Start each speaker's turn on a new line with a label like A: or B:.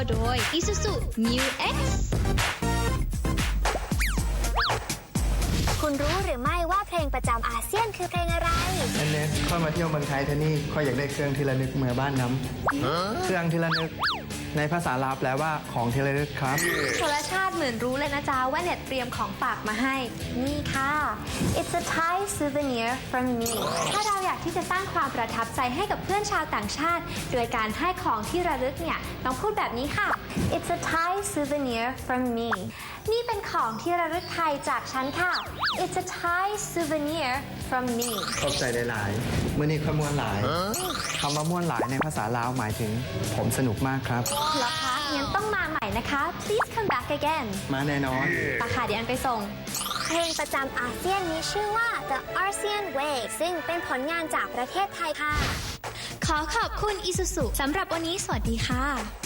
A: โดย Isuzu Mu X
B: คุณรู้หรือไม่ว่าเพลงประจำอาเซียนคือเพลงอะไร
C: อันนี้ค่อยมาเที่ยวเมืองไทยเท่านี้ค่อยอยากได้เครื่องที่ระลึกเมื่อบ้านน้ำเครื่องที่ระลึกในภาษาลาวแปลว่าของที่ระลึกครับ
D: ชลชาติเหมือนรู้เลยนะจ๊ะว่าเน็ตเตรียมของฝากมาให้ นี่ค่ะ It's a Thai souvenir from me ถ้าเราอยากที่จะสร้างความประทับใจให้กับเพื่อนชาวต่างชาติ โดยการให้ของที่ระลึกเนี่ยต้องพูดแบบนี้ค่ะ It's a Thai souvenir from me นี่เป็นของที่ระลึกไทยจากฉันค่ะ It's a Thai souvenir from me
C: ขอบใจหลายๆเมื่อนี้ค่อยม่วนหลายคำว่าม่วนหลายในภาษาลาวหมายถึงผมสนุกมากครับ
D: เหรอคะงั้นต้องมาใหม่นะคะ Please come back again
C: มาแน่นอน
D: ปะค่ะเดี๋ยวอันไปส่ง
B: เพลงประจำอาเซียนนี้ชื่อว่า The ASEAN Way ซึ่งเป็นผลงานจากประเทศไทยค่ะ
A: ขอขอบคุณ Isuzu สำหรับวันนี้สวัสดีค่ะ